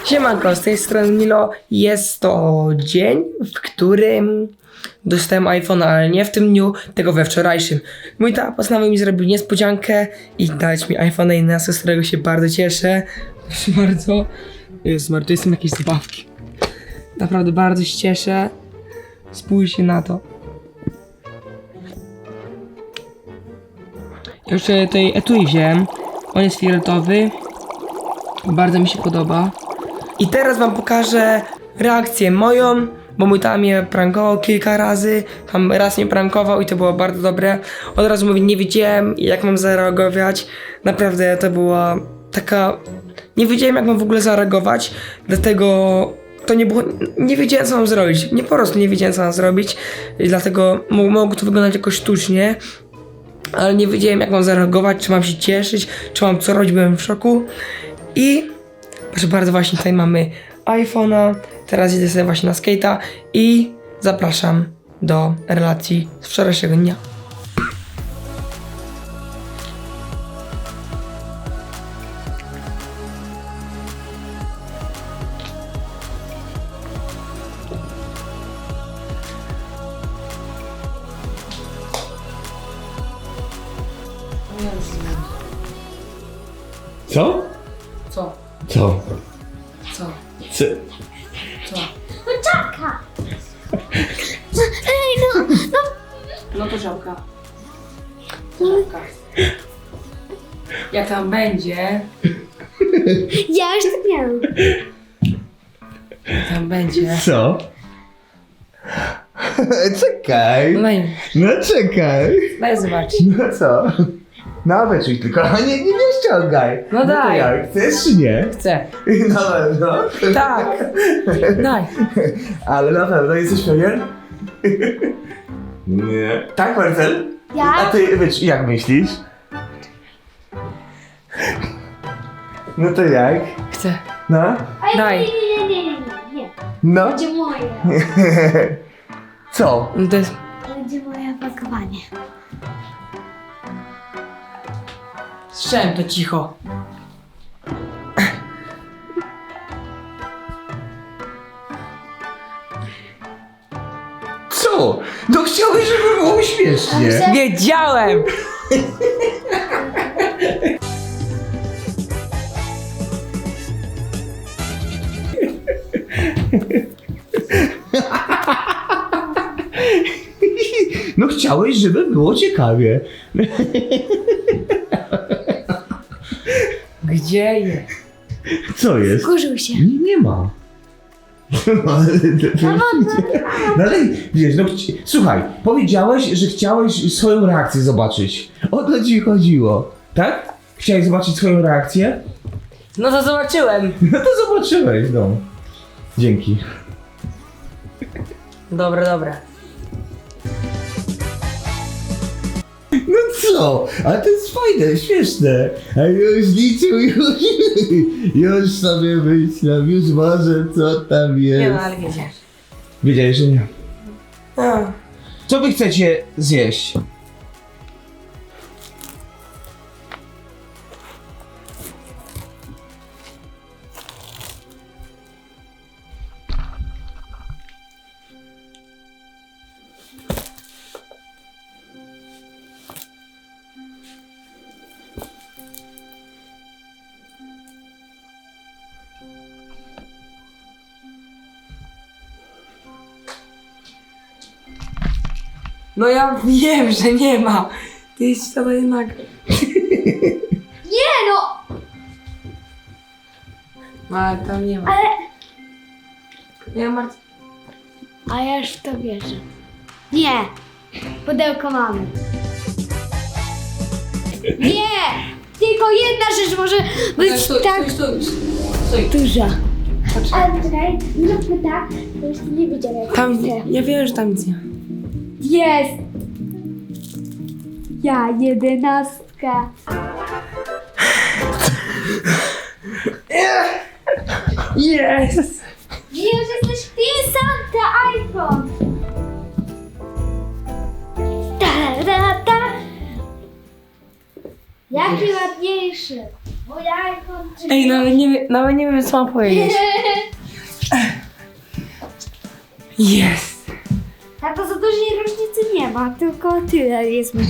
Siemanko, z tej strony Milo. Jest to dzień, w którym dostałem iPhone'a, ale nie w tym dniu, tylko we wczorajszym. Mój tata postanowił mi zrobić niespodziankę i dać mi iPhone'a 11, z którego się bardzo cieszę. Proszę bardzo. Jezus Maria, to są jakieś zabawki. Naprawdę bardzo się cieszę. Spójrzcie na to. Jeszcze tutaj etui wziąłem. On jest fioletowy. Bardzo mi się podoba. I teraz wam pokażę reakcję moją, bo mój tata mnie prankował kilka razy. Tam raz mnie prankował i to było bardzo dobre. Od razu mówię, nie wiedziałem jak mam zareagować. Naprawdę to była taka... Nie wiedziałem jak mam w ogóle zareagować, dlatego to nie było... Nie wiedziałem co mam zrobić. Po prostu nie wiedziałem co mam zrobić. I dlatego mogło to wyglądać jakoś sztucznie. Ale nie wiedziałem jak mam zareagować, czy mam się cieszyć, czy mam co robić, byłem w szoku. I proszę bardzo, właśnie tutaj mamy iPhone'a. Teraz idę sobie właśnie na skate'a i zapraszam do relacji z wczorajszego dnia. Co? Co? Co? Co? Co? Co? No czapka! Ej, no. No to żabka. Żabka. Jak tam będzie, Ja już to miałam. jak tam będzie. Co? Czekaj. No No czekaj. daj zobaczyć. No co? No wyczuj tylko, a nie ściągaj. No to daj. jak, chcesz czy nie? Chcę. Na pewno. Tak. Daj. Ale na pewno jesteś pewien? Nie. Tak, Marcel? A Ja? ty, jak myślisz? No to jak? Chcę. No? Ej, Daj. Nie. No? Będzie moje. Co? No to jest... Będzie moje opakowanie. Słyszałem to cicho. Co? No chciałeś, żeby było śmiesznie. Dobrze. Wiedziałem! No chciałeś, żeby było ciekawie. Gdzie jest? Co jest? Kurzył się. Nie ma. No ale wiesz, no słuchaj, powiedziałeś, że chciałeś swoją reakcję zobaczyć. O to ci chodziło, tak? Chciałeś zobaczyć swoją reakcję? No to zobaczyłem. No to zobaczyłeś, no. Dzięki. Dobra, dobra. No co? Ale to jest fajne, śmieszne. A już liczył, już sobie myślałem, już może co tam jest. Nie no, ale wiedziałem. Wiedziałeś, że nie. A. Co wy chcecie zjeść? No ja wiem, że nie ma. Ty jest to jednak. Nie no! No ale tam nie ma. Ale... Ja mam... A ja już w to wierzę. Nie! Pudełko mamy. Nie! Tylko jedna rzecz może być tak Stój. duża. Ale czekaj, zróbmy tak, bo jeszcze nie widziałem jak Tam, chcę. ja wiem, że tam nic nie ma. Jest! Ja 11. Jest! Już jesteś ty Santa iPhone! Ta, ta, ta. Jaki ładniejszy! Bo ja jako... Ej, nawet nie wiem co mam powiedzieć. Jest! Tato, za dużej różnicy nie ma, tylko tyle jest mi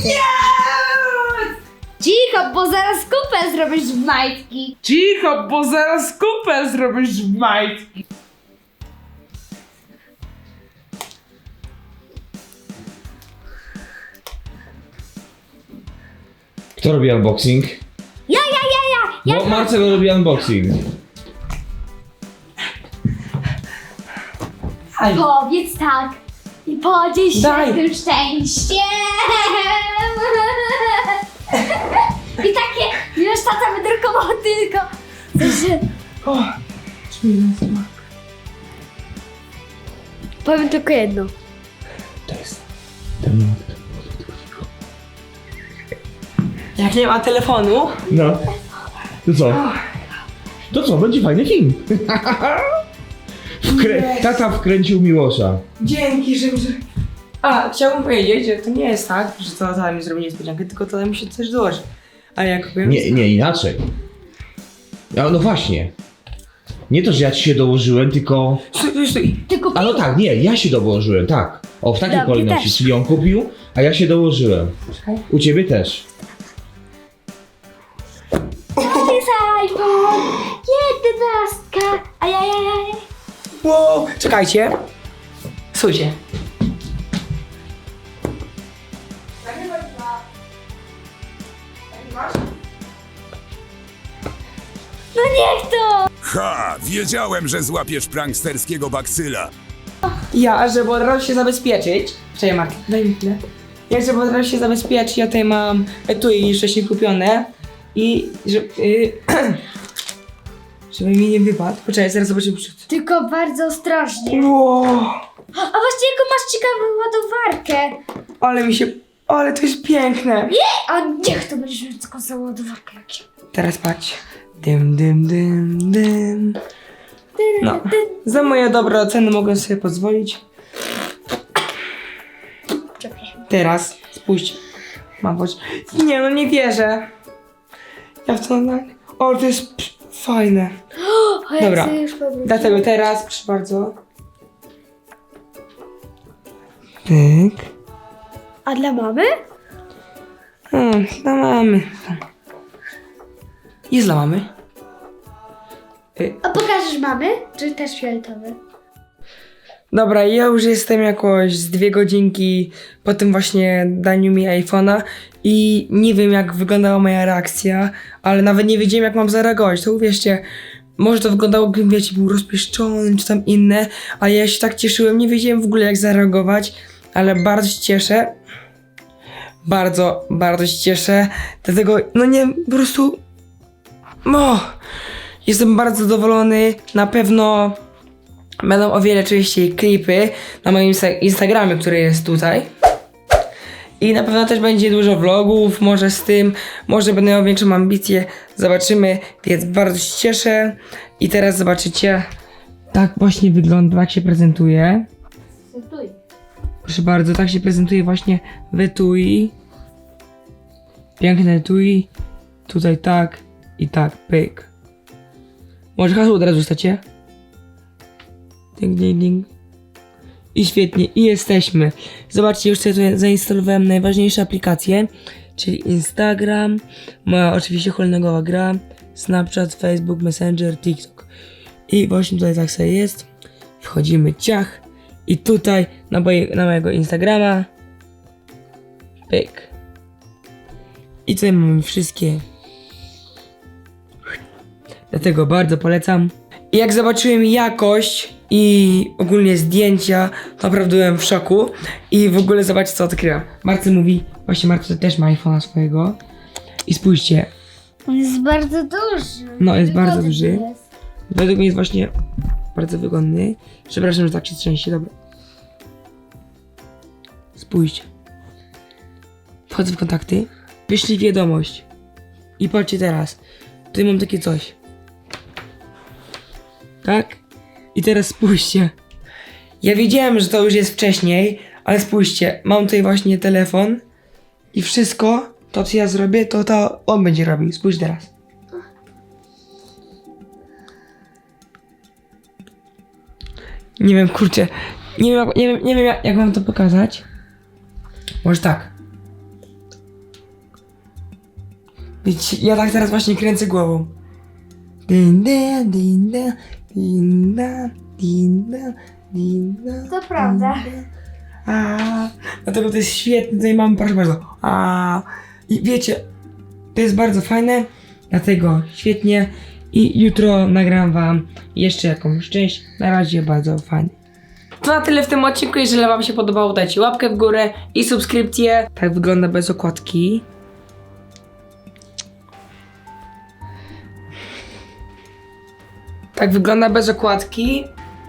Cicho, bo zaraz kupę zrobisz w majtki. Cicho, bo zaraz kupę zrobisz w majtki. Kto robi unboxing? Ja. Bo Marcel robi unboxing. Aj. Powiedz tak i podziel się Daj. tym szczęściem. I takie, już tata wydrukował tylko. Że... O, czuję smak. Powiem tylko jedno. To jest ten. Jak nie ma telefonu, No. To co? To co? Będzie fajny film. Tata wkręcił Miłosza. dzięki, że... A, chciałbym powiedzieć, że to nie jest tak, że to tata mi zrobi niespodziankę, tylko tata mi się coś dołoży. A jak powiem... Nie, inaczej. No właśnie. Nie to, że ja ci się dołożyłem, tylko... Stój. Tylko A no tak, nie, ja się dołożyłem, tak. O, w takiej Dobrze, kolejności, też. czyli on kupił, a ja się dołożyłem. Czekaj. U ciebie też. to jest iPhone 11. Ajajaj. Wow, czekajcie. Słuchajcie. No niech to. Ha! Wiedziałem, że złapiesz pranksterskiego baksyla. Ja, żeby od razu się zabezpieczyć... Czekaj Martin, daj mi chwilę. Ja, żeby od razu się zabezpieczyć, ja tutaj mam etui wcześniej kupione. I... żeby mi nie wypadł. Poczekaj, zaraz zobaczymy przód. Tylko bardzo ostrożnie. Wow, A właśnie jaką masz ciekawą ładowarkę. ale to jest piękne. A niech to będziesz mieć taką samą ładowarkę jak się. Teraz patrz. Dym. No, za moje dobre oceny mogę sobie pozwolić. Przepraszam. Teraz, spójrzcie. Mam choć... Nie no, nie wierzę. Ja w to... O, to jest fajne. O, ja Dobra, chcę już powrócić. dlatego teraz, proszę bardzo. Pyk. A dla mamy? Dla mamy. Jest dla mamy. A pokażesz mamy? Czy też fioletowy? Dobra, ja już jestem jakoś z 2 godzinki po tym właśnie daniu mi iPhone'a i nie wiem jak wyglądała moja reakcja, ale nawet nie wiedziałem jak mam zareagować, to uwierzcie, może to wyglądało gdybym, wiecie, był rozpieszczony czy tam inne, ale ja się tak cieszyłem, nie wiedziałem w ogóle jak zareagować, ale bardzo się cieszę, bardzo się cieszę, dlatego, no nie, po prostu, jestem bardzo zadowolony, na pewno będą o wiele częściej klipy na moim Instagramie, który jest tutaj. I na pewno też będzie dużo vlogów, może z tym, może będę miał większą ambicję, zobaczymy, więc bardzo się cieszę. I teraz zobaczycie, tak właśnie wygląda, tak się prezentuje. Stój. Proszę bardzo, tak się prezentuje właśnie w etui. Piękne etui. Tutaj tak i tak, pyk. Może hasło od razu stacie? Ding. I świetnie, i jesteśmy. Zobaczcie, już sobie tutaj zainstalowałem najważniejsze aplikacje, czyli Instagram, moja oczywiście hulnegowa gra, Snapchat, Facebook, Messenger, TikTok. I właśnie tutaj tak sobie jest. Wchodzimy ciach i tutaj na mojego Instagrama. Pyk. I tutaj mamy wszystkie. Dlatego bardzo polecam. I jak zobaczyłem jakość i ogólnie zdjęcia, naprawdę byłem w szoku. I w ogóle zobaczcie co odkryłem. Marcel mówi, właśnie Marcel też ma iPhone'a swojego. I spójrzcie, On jest bardzo duży. No, jest bardzo Wygodny duży. jest. według mnie jest właśnie bardzo wygodny. Przepraszam, że tak się trzęsie, dobra. Spójrzcie. Wchodzę w kontakty, wyślij wiadomość. I patrzcie teraz, tutaj mam takie coś. Tak? I teraz spójrzcie. Ja wiedziałem, że to już jest wcześniej, ale spójrzcie, mam tutaj właśnie telefon i wszystko, to co ja zrobię, to on będzie robił. Spójrz teraz. Nie wiem, kurczę. Nie wiem jak wam to pokazać. Może tak. Wiecie, ja tak teraz właśnie kręcę głową. Din, da, din, da, din, da, din, da, din, da, To prawda. a, dlatego to jest świetne, tutaj mamy, proszę bardzo. I wiecie, to jest bardzo fajne, dlatego świetnie. I jutro nagram wam jeszcze jakąś część. Na razie bardzo fajnie. To na tyle w tym odcinku. Jeżeli wam się podobało, dajcie łapkę w górę i subskrypcję. Tak wygląda bez okładki. Tak wygląda bez okładki.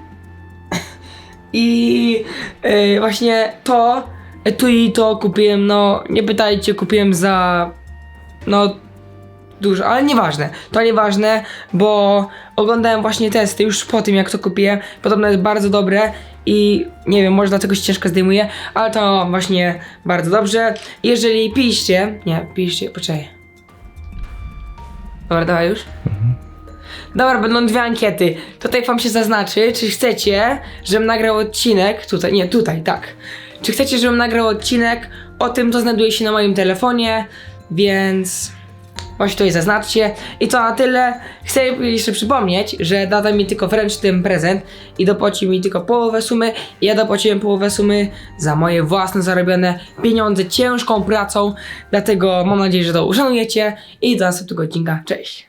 I właśnie tu i to kupiłem, no nie pytajcie, kupiłem za no dużo, ale nieważne, to nieważne, bo oglądałem właśnie testy już po tym jak to kupiłem, podobno jest bardzo dobre i nie wiem, może dlatego się ciężko zdejmuje, ale to właśnie bardzo dobrze. Jeżeli piliście, poczekaj. Dobra, dawaj już. Dobra, będą dwie ankiety. Tutaj wam się zaznaczy, czy chcecie, żebym nagrał odcinek, tutaj, tak. Czy chcecie, żebym nagrał odcinek o tym, co znajduje się na moim telefonie, więc właśnie tutaj zaznaczcie. I to na tyle. Chcę jeszcze przypomnieć, że dada mi tylko wręcz ten prezent i dopłaci mi tylko połowę sumy. Ja dopłaciłem połowę sumy za moje własne zarobione pieniądze ciężką pracą, dlatego mam nadzieję, że to uszanujecie i do następnego odcinka. Cześć!